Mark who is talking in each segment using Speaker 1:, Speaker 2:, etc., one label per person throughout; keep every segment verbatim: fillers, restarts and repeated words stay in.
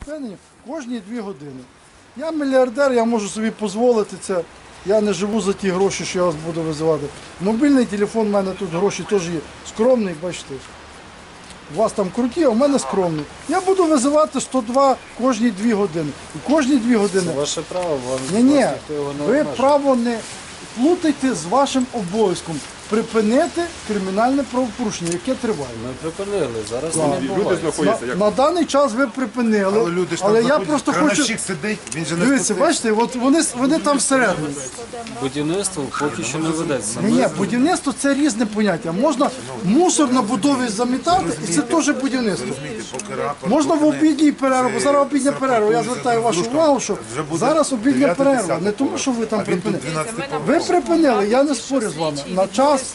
Speaker 1: припинення кожні дві години. Я мільярдер, я можу собі дозволити це. Я не живу за ті гроші, що я вас буду визивати. Мобільний телефон, в мене тут гроші теж є скромний, бачите. У вас там круті, а в мене скромний. Я буду визивати сто два кожні дві години. І кожні дві години.
Speaker 2: Це ваше право, вам
Speaker 1: Ні, ні,
Speaker 2: ніхто його не
Speaker 1: ви
Speaker 2: обмежує.
Speaker 1: право не плутайте з вашим обов'язком. Припинити кримінальне правопорушення, яке триває.
Speaker 2: Ми припинили, зараз
Speaker 1: Так.
Speaker 2: не
Speaker 3: Люди
Speaker 2: відбувається.
Speaker 3: знаходяться
Speaker 1: На,
Speaker 3: як
Speaker 1: на даний час ви припинили,
Speaker 4: Але люди ж
Speaker 1: але
Speaker 4: там
Speaker 1: я
Speaker 4: знаходяться,
Speaker 1: просто хочу...
Speaker 4: крановщик сидить, він же не
Speaker 1: Дивіться,
Speaker 4: спустив.
Speaker 1: бачите, от вони, вони там всередині.
Speaker 2: Будівництво поки що не ведеться.
Speaker 1: Ні, ні, будівництво це різне поняття. Можна мусор на будові замітати, і це теж будівництво.
Speaker 4: Поки рапорт,
Speaker 1: Можна в
Speaker 4: поки не-
Speaker 1: обідній перерву, бо зараз обідня перерва. Я звертаю вашу увагу, що
Speaker 4: Вже буде
Speaker 1: зараз обідня
Speaker 4: дев'яте,
Speaker 1: перерва.
Speaker 4: десяте
Speaker 1: Не тому, що ви там
Speaker 4: А він тут
Speaker 1: припинили.
Speaker 4: дванадцятий
Speaker 1: Ви припинили, я не спорю з вами. На час,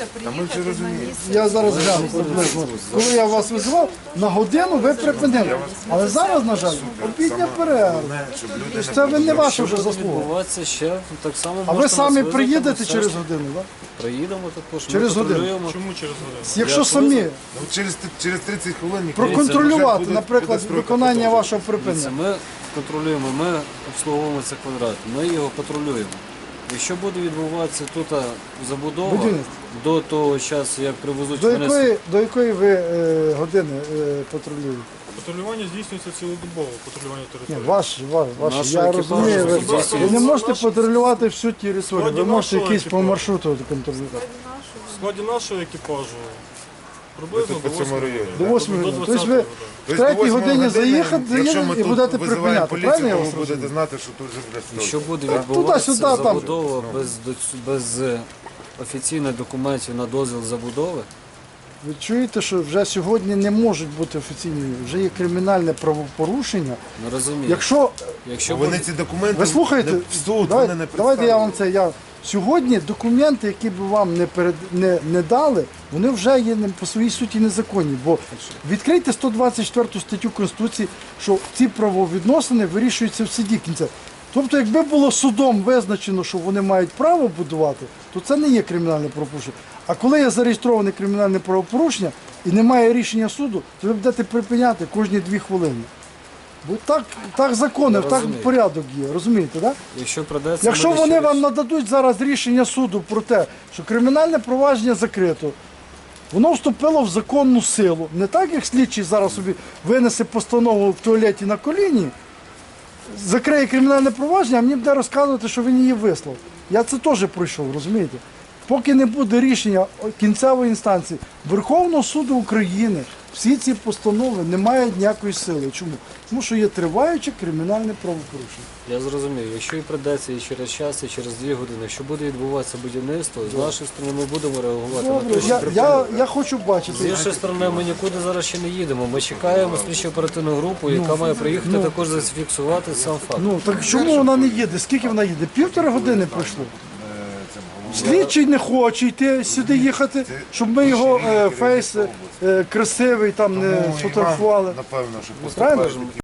Speaker 1: я зараз гляну приблизно, коли я вас визивав, на годину ви припинили. Але зараз, на жаль, обідня перерва. Тобто це ви не ваша вже заслуга.
Speaker 2: Відбувається ще так само.
Speaker 1: А ви
Speaker 2: можете
Speaker 1: самі
Speaker 2: нас визвати,
Speaker 1: приїдете
Speaker 2: все
Speaker 1: через
Speaker 2: ж
Speaker 1: годину, так?
Speaker 2: Приїдемо також,
Speaker 1: Через
Speaker 2: ми
Speaker 1: годину.
Speaker 2: патрулюємо.
Speaker 1: Якщо
Speaker 2: Я
Speaker 1: самі
Speaker 4: Ну, через, через тридцять хвилин ніхто
Speaker 1: проконтролювати,
Speaker 4: буде-
Speaker 1: наприклад,
Speaker 4: буде стройка
Speaker 1: виконання
Speaker 4: продовжена.
Speaker 1: вашого
Speaker 2: Дивіться,
Speaker 1: припинення.
Speaker 2: ми контролюємо, ми обслуговуємо цей квадрат, ми його патрулюємо. Якщо буде відбуватися тут забудова
Speaker 1: Будівництво.
Speaker 2: до того часу, як привезуть
Speaker 1: До
Speaker 2: мене з-
Speaker 1: якої, до якої ви е, години е, патрулюєте?
Speaker 5: Патрулювання здійснюється цілодобово, патрулювання
Speaker 1: Ні,
Speaker 5: території.
Speaker 1: ваш, ваш, ваш.
Speaker 2: Нашого
Speaker 1: Я
Speaker 2: екіпажу
Speaker 1: розумію, ви,
Speaker 2: особисто.
Speaker 1: ви не можете патрулювати всю територію, ви
Speaker 5: Сьогодні
Speaker 1: можете
Speaker 5: нашого
Speaker 1: якийсь по
Speaker 5: екіпажу.
Speaker 1: маршруту контролювати.
Speaker 5: В складі нашого екіпажу приблизно
Speaker 4: Тут
Speaker 5: до
Speaker 4: по цьому
Speaker 5: восьми
Speaker 4: районі.
Speaker 1: До восьми
Speaker 5: до
Speaker 1: годин. Тобто ви в
Speaker 4: Тобто до
Speaker 1: третій
Speaker 4: восьмої
Speaker 1: годині заїхати,
Speaker 4: якщо
Speaker 1: заїдете
Speaker 4: ми
Speaker 1: і
Speaker 4: тут
Speaker 1: будете
Speaker 4: визиваємо
Speaker 1: припиняти.
Speaker 4: поліцію,
Speaker 1: Правильно я
Speaker 4: то
Speaker 1: вас
Speaker 4: ви будете
Speaker 1: розумію?
Speaker 4: знати, що тут вже буде стройка.
Speaker 2: Якщо буде
Speaker 4: Так?
Speaker 2: відбуватися
Speaker 1: Туди-сюди, там.
Speaker 2: забудова без, доц- без е, офіційних документів на дозвіл забудови,
Speaker 1: Ви чуєте, що вже сьогодні не можуть бути офіційні, вже є кримінальне правопорушення.
Speaker 2: не розумію.
Speaker 1: Якщо
Speaker 2: Якщо
Speaker 4: Вони
Speaker 2: буде-
Speaker 4: ці документи
Speaker 1: ви слухаєте,
Speaker 4: не- в суд
Speaker 1: давай-
Speaker 4: вони не
Speaker 1: давайте я вам
Speaker 4: представили.
Speaker 1: це. Я сьогодні документи, які б вам не перед не, не дали, вони вже є не- по своїй суті незаконні. Бо відкрийте сто двадцять четверту статтю Конституції, що ці правовідносини вирішуються в суді кінця. Тобто, якби було судом визначено, що вони мають право будувати, то це не є кримінальне правопорушення. А коли є зареєстроване кримінальне правопорушення і немає рішення суду, то ви будете припиняти кожні дві хвилини. Бо так, так закони,
Speaker 2: Я
Speaker 1: так
Speaker 2: розумію.
Speaker 1: порядок є, розумієте, так?
Speaker 2: якщо придеться,
Speaker 1: Якщо
Speaker 2: буде
Speaker 1: вони
Speaker 2: через-
Speaker 1: вам нададуть зараз рішення суду про те, що кримінальне провадження закрито, воно вступило в законну силу. Не так, як слідчий зараз собі винесе постанову в туалеті на коліні, закриє кримінальне провадження, а мені буде розказувати, що він її вислав. Я це теж пройшов, розумієте? Поки не буде рішення кінцевої інстанції Верховного суду України, всі ці постанови не мають ніякої сили. Чому? Тому що є триваюче кримінальне правопорушення.
Speaker 2: Я зрозумів, якщо і придеться і через час, і через дві години, якщо буде відбуватися будівництво, з нашої сторони ми будемо реагувати на
Speaker 1: Добре,
Speaker 2: те, що
Speaker 1: я,
Speaker 2: припинили.
Speaker 1: я, я хочу
Speaker 2: З
Speaker 1: бачити.
Speaker 2: іншої сторони, ми нікуди зараз ще не їдемо. Ми чекаємо слідчо оперативну групу, яка має приїхати також зафіксувати сам факт.
Speaker 1: Ну так чому вона не їде? Скільки вона їде? Півтори години пройшло. Слідчий не хоче йти сюди їхати, щоб ми його е, фейс е, красивий там не
Speaker 4: Тому і вам,
Speaker 1: сфотографували.
Speaker 4: Напевно, що
Speaker 1: Правильно?
Speaker 4: поступають.